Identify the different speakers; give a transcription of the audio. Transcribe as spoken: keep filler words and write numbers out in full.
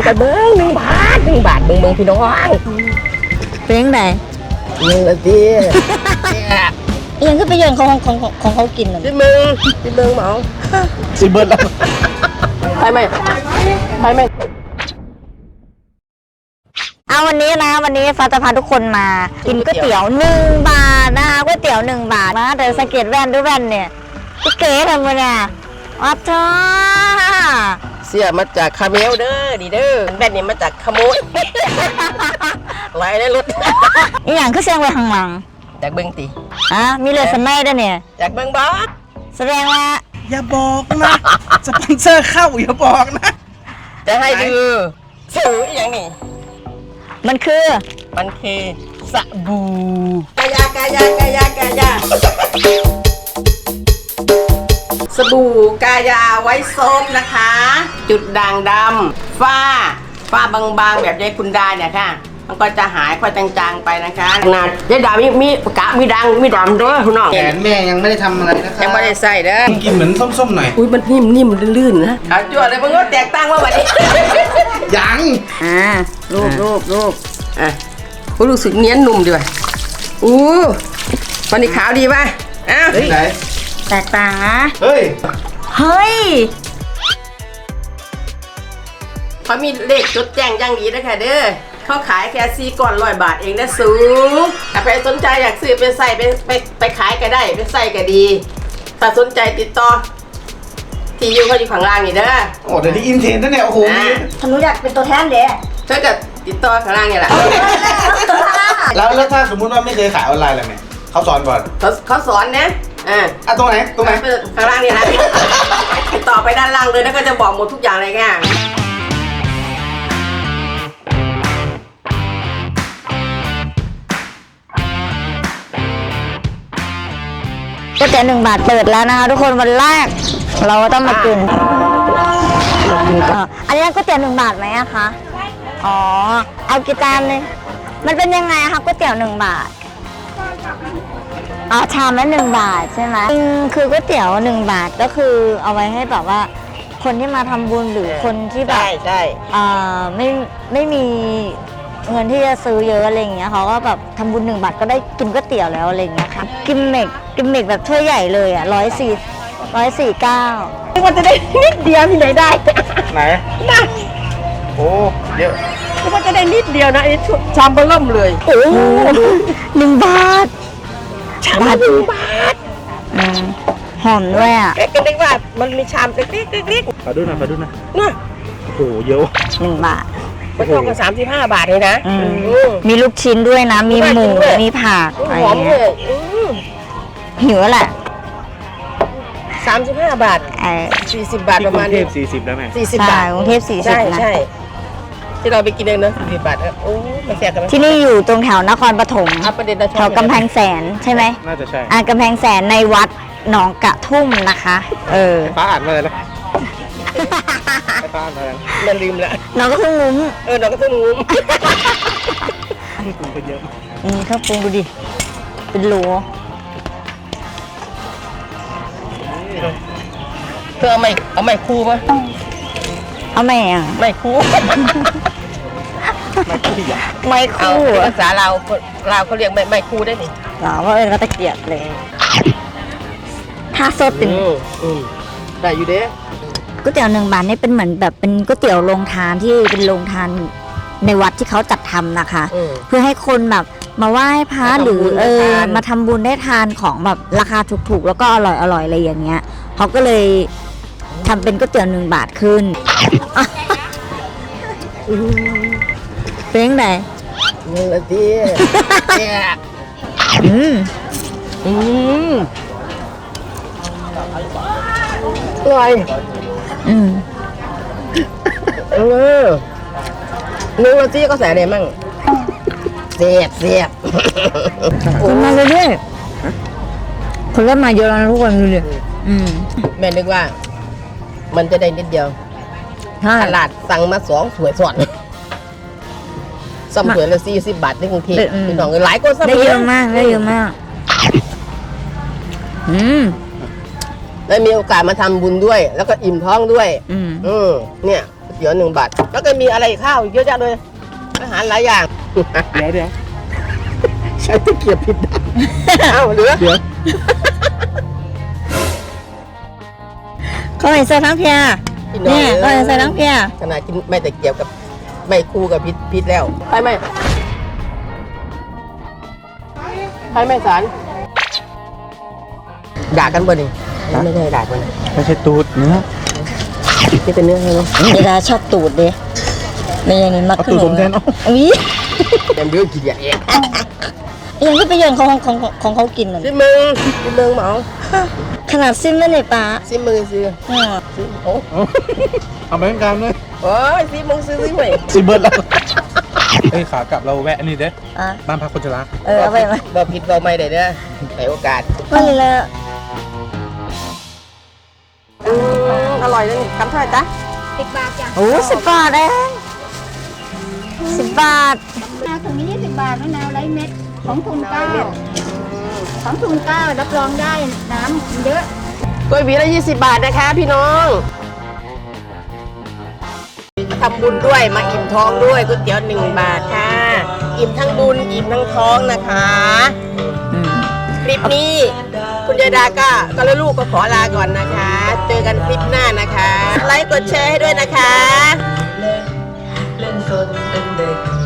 Speaker 1: ไปเบิ้งหนึ่งบาทหนึ่งบาทเบิ้งเบิ้งพี่น้อง
Speaker 2: เป็นยังไง
Speaker 1: หนึ่งละที
Speaker 2: เอียงก็ไปโยนของของของเขากินเลย
Speaker 1: พี่มึงพี่เบิ้งเหมา
Speaker 3: สิเบิร์ดแล้ว
Speaker 1: ไปไหมไปไหม
Speaker 2: เอาวันนี้นะวันนี้ฟ้าจะพาทุกคนมากินก๋วยเตี๋ยวหนึ่งบาทนะคะก๋วยเตี๋ยวหนึ่งบาทนะแต่สังเกตแว่นด้วยแว่นเนี่ยเก๋ทำมาเนี่ยอัพท้า
Speaker 1: เสียมาจากคาเมลเด้อดีเด้อแบนนี่มาจากขโมยไว้ในรถ
Speaker 2: อีหยังคือเสียงไว้ข้างหลัง
Speaker 1: จากเบิ้งตี
Speaker 2: อ่ะมีเลยสมัยด้วยเนี่ย
Speaker 1: จากเบิ้งบอส
Speaker 2: แสดงว่า
Speaker 3: อย่าบอกนะสปอนเซอร์เข้าอย่าบอกนะ
Speaker 1: จะให้ดูซื้ออย่างนี้
Speaker 2: มันคือ
Speaker 1: มันคือสบู่กายากายากายากายาสบู่กายาไว้โซฟนะคะ จุดด่างดำฝ้าฝ้าบางๆแบบยายคุณดาเนี่ยค่ะมันก็จะหายค่อยจางๆไปนะคะขนาดยายดามีมีกะมีดังมีดำด้วยคุณน้อง
Speaker 3: แขนแม่ยังไม่ได้ทำอะไรนะครับ
Speaker 1: ยังไม่ได้ใส่เด้อ
Speaker 3: กินเหมือนส้มๆหน่อย
Speaker 1: อุ้ยมันนิ่มนิ่มลื่นๆนะเอาจวดเลยมึงก็แตกตั้งว่าแบบนี้
Speaker 3: ยัง
Speaker 2: อ่ารูปรูปรูป
Speaker 1: อ่ะกูรู้สึกเนี้ยนุ่มดีว่ะอู้วันนี้ขาวดีป่ะอ้าว
Speaker 3: ไหน
Speaker 2: แตกต่างนะ
Speaker 3: เฮ้ย
Speaker 2: เฮ้ย
Speaker 1: เขามีเลขจดแจ้งอย่างดีนะคะเด้อเขาขายแค่สี่ก้อนร้อยบาทเองนะสูงถ้าใครสนใจอยากซื้อไปใส่ไปไปไปขายก็ได้ไปใส่ก็ดีถ้าสนใจติดต่อที่อยู่เขาอยู่ข้างล่างนี่เด้อ
Speaker 3: โอ้เดี๋ยวที่อินเทนนั่นเนี่ยโอ้โห
Speaker 2: ฉันรู้อยากเป็นตัวแทนเด้
Speaker 1: ถ้าเกิดติดต่อข้างล่างนี่แหละ
Speaker 3: แล้วแล้วถ้าสมมุติว่าไม่เคยขายออนไลน์อะไรไหมเขาสอนก่อน
Speaker 1: เขาเขาสอนนะอ่า
Speaker 3: อ่ะตรงไหนตรงไหน
Speaker 1: ข้างล่างนี่นะติดต่อไปด้านล่างเลยแล้วก็จะบอกหมดทุกอย่างเลยค่ะ
Speaker 2: ก๋วยเตี๋ยวหนึ่งบาทเปิดแล้วนะคะทุกคนวันแรกเราก็ต้องมากินอันนี้ก๋วยเตี๋ยวหนึ่งบาทไหมอะคะอ๋อเอากี่จานเลยมันเป็นยังไงคะก๋วยเตี๋ยวหนึ่งบาทอ๋อชามละหนึ่งบาทใช่ไหมคือก๋วยเตี๋ยวหนึ่งบาทก็คือเอาไว้ให้แบบว่าคนที่มาทำบุญหรือคนที่แบบ
Speaker 1: ใช่ใช่
Speaker 2: อ่าไม่ไม่มีเงินที่จะซื้อเยอะอะไรอย่างเงี้ยเขาก็แบบทำบุญหนึ่งบาทก็ได้กินก๋วยเตี๋ยวแล้วอะไรอย่างเงี้ยค่ะกิมเมกกิมเมกแบบถ้วยใหญ่เลยอ่ะร้อยสี่ร้อยสี่เก้า
Speaker 1: มันจะได้นิดเดียวที่ไหนได้
Speaker 3: ไหน
Speaker 1: นะ
Speaker 3: โอ้เยอะ
Speaker 1: มันจะได้นิดเดียวนะไอ้ชามเบล่มเลย
Speaker 2: โอ้หนึ่งบาท
Speaker 1: ชามหนึ่งบาท
Speaker 2: หอมด้วยอ่ะ
Speaker 1: เล็กๆว่ามันมีชามเล็กๆเล็ก
Speaker 3: ๆขอดูหน่อยขอดูหน่อย
Speaker 1: น่ะ
Speaker 3: โอ้โหเยอะ
Speaker 2: หนึ่งบาท
Speaker 1: มันเท่ากับสามสิบห้าบาทเลยนะ
Speaker 2: มีลูกชิ้นด้วยนะมีหมูมีผัก
Speaker 1: หอมเลย
Speaker 2: หิวแหละ
Speaker 1: สามสิบห้าบาทสี่สิบบาทประมาณ
Speaker 3: นี้สี่สิบแล้วแม่
Speaker 1: สี่สิบบาท
Speaker 2: กรุงเทพสี่สิบนะ
Speaker 1: ใช่ที่เราไปกินเองนะสี่สิบบาทโอ้ไม่แซ่บกัน
Speaker 2: ที่นี่อยู่ตรงแถวนครปฐมแถวกำแพงแสนใช่ไหม
Speaker 3: น่าจะใช่
Speaker 2: อ่ากำแพงแสนในวัดหนองกระทุ่มนะคะเออ
Speaker 3: ป้าอ่านมาเลยนะป้าอ่านมาแล้ว
Speaker 1: มันลืมละ
Speaker 2: น้องก็เพิ่งงุ้ม
Speaker 1: เออน้องก็เพิ่งงุ้ม
Speaker 3: ปรุงไปเยอะ
Speaker 2: อืมข้าวปรุงดูดิเป็นโหล
Speaker 1: เธอเอาไม่เอาไม่คู่ป่ะ
Speaker 2: เอาไม่อ่ะ
Speaker 1: ไม่คู่
Speaker 2: ไม่คู่
Speaker 1: ภาษาเราเราเขาเรียกไม่ไม่คู่ได้นี่
Speaker 2: หรอว่าเออก็ตะเกียบเลยถ้าสดเป็น
Speaker 1: ได้อยู่เด้
Speaker 2: ก๋วยเตี๋ยวหนึ่งบาทนี่เป็นเหมือนแบบเป็นก๋วยเตี๋ยวโรงทานที่เป็นโรงทานในวัดที่เขาจัดทำนะคะเพื่อให้คนแบบมาไหว้พระหรือเออมาทำบุญได้ทานของแบบราคาถูกๆแล้วก็อร่อยอร่อยอะไรอย่างเงี้ยเขาก็เลยทำเป็นก๋วยเตี๋ยวหนึ่งบาทขึ้นเป็นยังไง
Speaker 1: หนึ่งนาที
Speaker 2: อืม
Speaker 1: อืมอร่อย
Speaker 2: อืม
Speaker 1: เออหนึ่งนาทีก็ใส่อะไรมั่งเสียบเสียบ
Speaker 2: คนมาเรื่อยๆคนเริ่มมาเยอะแล้วทุกคนดูดิอืม
Speaker 1: แม่นึกว่ามันจะได้นิดเดียวตลาดสั่งมาสองสวยสอนซ้ำสวยละสี่สิบบาทในกรุงเทพพี่น้องหลายคนซ้ำ
Speaker 2: ได้เยอะมากได้เยอะมากอืม
Speaker 1: ได้มีโอกาสมาทำบุญด้วยแล้วก็อิ่มท้องด้วย
Speaker 2: อืม
Speaker 1: อืมเนี่ยเตี๋ยวหนึ่งบาทแล้วก็มีอะไรข้าวเยอะแยะเลยอาหารหลายอย่าง
Speaker 3: เดี๋ยวเดี๋ยวใช้ตะเกียบผิดด้าน
Speaker 1: เอ้าเหลือ
Speaker 3: เดี๋ยว
Speaker 2: เขาให้ใส่ทั้งเพีย
Speaker 1: พี่น้อง
Speaker 2: เนี่ยเขาให้ใส่ทั้งเพีย
Speaker 1: ขนาดกินไม่แต่เกี่ยวกับไม่คู่กับพิษพิษแล้วไปไหมไปไหมสารด่ากันบ่นี่ไม่ได้ด่ากัน
Speaker 3: ไม่ใช่ตูดเนื้อ
Speaker 1: นี่เป็นเนื้อใช่ไหม
Speaker 2: เวลาชอบตูดเด้ไม่ยังนี่มัก
Speaker 3: เอา
Speaker 2: ขึ้น
Speaker 3: ตูดผมแทนเอา
Speaker 2: อุ้ย
Speaker 1: เต็มเรื่องกินอย่างเอง
Speaker 2: ยังที่ไปเยือนของของของของเขากินน่ะ
Speaker 1: ซิมึงซิมึงเหมา
Speaker 2: ขนาดซิมไม่เลยป้า
Speaker 1: ซิมึงซื้อ
Speaker 2: อ๋อ
Speaker 1: ซิโอ้
Speaker 3: เอาเอาไปเป็นการเลย
Speaker 1: โอ้ยซิมึงซื้อซิไป
Speaker 3: สิเบิร์ดแล้วเฮ้ยขากลับเราแวะอันนี้เด้
Speaker 2: อ่ะ
Speaker 3: บ้านพักคนชรา
Speaker 2: เออเอาไปไหม
Speaker 1: บ่ผิดบ่ไม่ได้เด้อให้โอกาส
Speaker 2: มันเลย
Speaker 1: อืมอร่อยเลยคำเท่าไหร่จ๊ะ
Speaker 4: สิบบาทจ้ะ
Speaker 2: โอ้สิบบาทเองสิบบาท
Speaker 4: มะนาวถุงนี้ยี่สิบบาทมะนาวไร้เม็ดของทุนเก้าของทุนเก้ารับรองได้น้ำเยอะ
Speaker 1: กล้วยหวีละยี่สิบบาทนะคะพี่น้องทำบุญด้วยมาอิ่มท้องด้วยก๋วยเตี๋ยวหนึ่งบาทค่ะ อิ่มทั้งบุญอิ่มทั้งท้องนะคะ
Speaker 2: อืม
Speaker 1: คลิปนี้คุณยายดาก็ก็แล้วลูกก็ขอลาก่อนนะคะ เจอกันคลิปหน้านะคะ ไลค์กดแชร์ให้ด้วยนะคะ